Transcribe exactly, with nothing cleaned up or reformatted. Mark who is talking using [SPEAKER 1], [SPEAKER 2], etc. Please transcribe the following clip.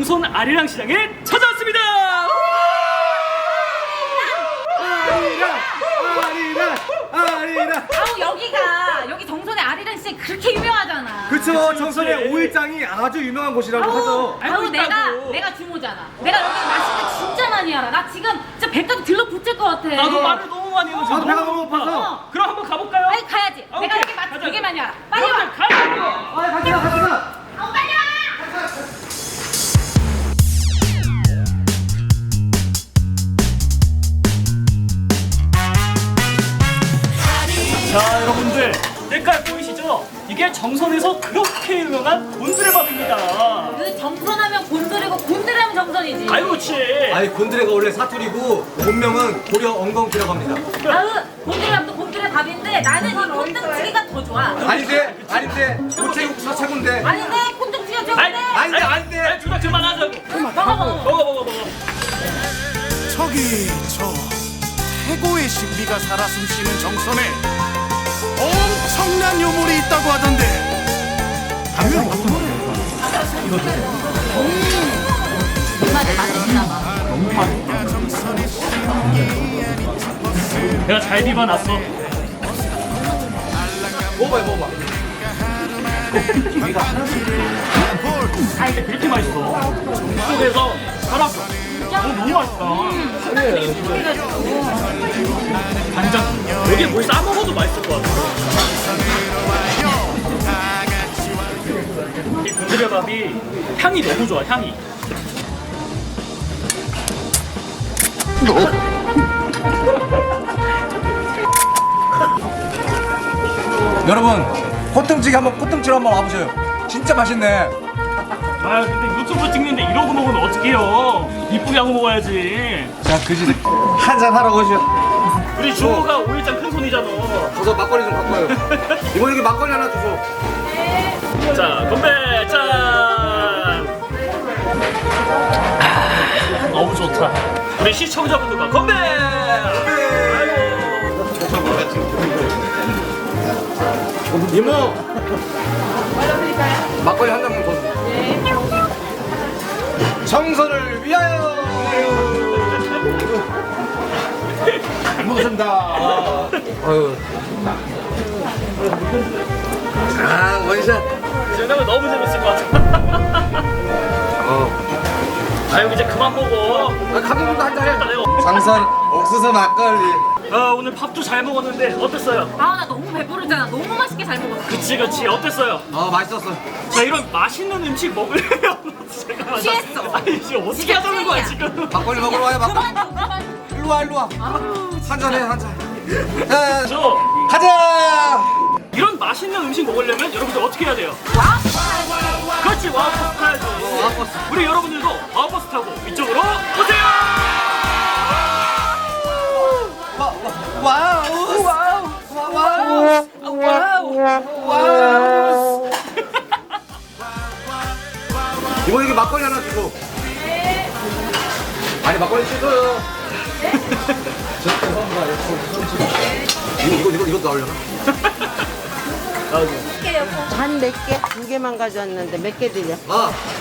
[SPEAKER 1] 정선 아리랑 시장에 찾아왔습니다.
[SPEAKER 2] 아리랑 아리랑 아리랑.
[SPEAKER 3] 아우 여기가 여기 정선의 아리랑 시장이 그렇게 유명하잖아.
[SPEAKER 2] 그쵸, 정선의 오일장이 아주 유명한 곳이라고 하죠.
[SPEAKER 3] 아우
[SPEAKER 1] 알고
[SPEAKER 3] 내가
[SPEAKER 1] 있다고.
[SPEAKER 3] 내가 주모잖아. 내가 여기 맛있는 거 진짜 많이 알아. 나 지금 진짜 배까지 들러붙을 것 같아.
[SPEAKER 1] 나도 말을 너무 많이 해서
[SPEAKER 2] 나도 배가 너무 고파서.
[SPEAKER 3] 어.
[SPEAKER 1] 그럼 한번 가볼까요?
[SPEAKER 3] 빨리 가야지.
[SPEAKER 1] 아,
[SPEAKER 3] 내가
[SPEAKER 1] 오케이.
[SPEAKER 3] 여기 맛
[SPEAKER 1] 가자.
[SPEAKER 3] 되게 많이 알아. 빨리 와.
[SPEAKER 1] 가자고.
[SPEAKER 2] 아, 갑시다, 갑시다.
[SPEAKER 3] 아우 빨리 와.
[SPEAKER 1] 자, 여러분들 색깔 보이시죠? 이게 정선에서 그렇게 유명한 곤드레밥입니다.
[SPEAKER 3] 그 정선하면 곤드레고 곤드레하면 정선이지.
[SPEAKER 1] 아유, 그렇지.
[SPEAKER 2] 아니, 곤드레가 원래 사투리고 본명은 고려 엉겅퀴라고 합니다.
[SPEAKER 3] 아우 곤드레밥도 곤드레 밥인데 나는 이 콘등치기가 더 좋아.
[SPEAKER 2] 아닌데, 아닌데, 고체육수가 최고인데.
[SPEAKER 3] 아닌데 콘등치기가
[SPEAKER 1] 아니,
[SPEAKER 3] 최고인데.
[SPEAKER 2] 아닌데, 아닌데.
[SPEAKER 1] 아니, 둘 다 그만하자고.
[SPEAKER 3] 먹어 먹어.
[SPEAKER 1] 먹어, 먹어, 먹어.
[SPEAKER 4] 저기 저 최고의 신비가 살아 숨쉬는 정선에 엄청난 유물이 있다고 하던데 가면
[SPEAKER 3] 맛이 맛있나 봐.
[SPEAKER 1] 내가 잘 비벼놨어.
[SPEAKER 2] 먹어봐요, 먹어봐.
[SPEAKER 1] 그렇게 맛있어. 속에서 살았어. 어, 너무 맛있다. 간장. 여기에 뭘 싸먹어도 맛있을 것 같아. 이 곤드레밥이 향이 너무 좋아, 향이.
[SPEAKER 2] 여러분, 코등치기 한번, 코등치로 한번 와보세요. 진짜 맛있네.
[SPEAKER 1] 아, 근데 유튜브 찍는데 이러고 먹으면 어떡해요. 이쁘게 하고 먹어야지.
[SPEAKER 2] 자, 그지. 한잔 하러 오시오.
[SPEAKER 1] 우리 주호가 오일장 큰 손이잖아.
[SPEAKER 2] 저서 막걸리 좀 갖고 와요. 이모 여기 막걸리 하나 주소.
[SPEAKER 1] 자, 건배! 짠! 아, 너무 좋다. 우리 시청자분들과 건배! 아이고.
[SPEAKER 2] 이모. 막걸리 한 잔만 더 주세요. 정선을 위하여. 잘 먹었습니다. 아유. 아, 원샷.
[SPEAKER 1] 생각은 너무 재밌을 것 같아.
[SPEAKER 2] 어.
[SPEAKER 1] 아유, 이제 그만 먹어.
[SPEAKER 2] 아, 감독님도 한잔 해.
[SPEAKER 1] 내가.
[SPEAKER 2] 정선 옥수수 막걸리.
[SPEAKER 1] 아, 오늘 밥도 잘 먹었는데 어땠어요?
[SPEAKER 3] 아우 나 너무 배부르잖아. 너무 맛있게 잘 먹었어.
[SPEAKER 1] 그치, 그치. 어땠어요?
[SPEAKER 2] 어, 맛있었어.
[SPEAKER 1] 자, 이런 맛있는 음식 먹으려면 잠깐만.
[SPEAKER 3] 취했어.
[SPEAKER 1] 아니, 지금 어떻게
[SPEAKER 3] 진짜
[SPEAKER 1] 하자는 거야,
[SPEAKER 3] 찐이야.
[SPEAKER 1] 지금?
[SPEAKER 2] 막걸리 먹으러 와요, 막걸리.
[SPEAKER 3] 그만 그만.
[SPEAKER 2] 일로 와, 일로 와. 한잔 해, 한잔. 자,
[SPEAKER 1] 저
[SPEAKER 2] 가자.
[SPEAKER 1] 이런 맛있는 음식 먹으려면 여러분들 어떻게 해야 돼요?
[SPEAKER 3] 와.
[SPEAKER 1] 그렇지, 와우버스 타야죠.
[SPEAKER 2] 와우버스.
[SPEAKER 1] 우리 여러분들도 와우버스 타고 이쪽으로 오세요!
[SPEAKER 2] 와우. 와우. 와우. 와우. 와우. 이모 여기 막걸리 하나 주고. 네. 아니 막걸리 주세요. 이거 이거 이거 이것도 나오려나?
[SPEAKER 5] 한 몇 개? 두 개만 가져왔는데 몇 개 드려?
[SPEAKER 2] 아,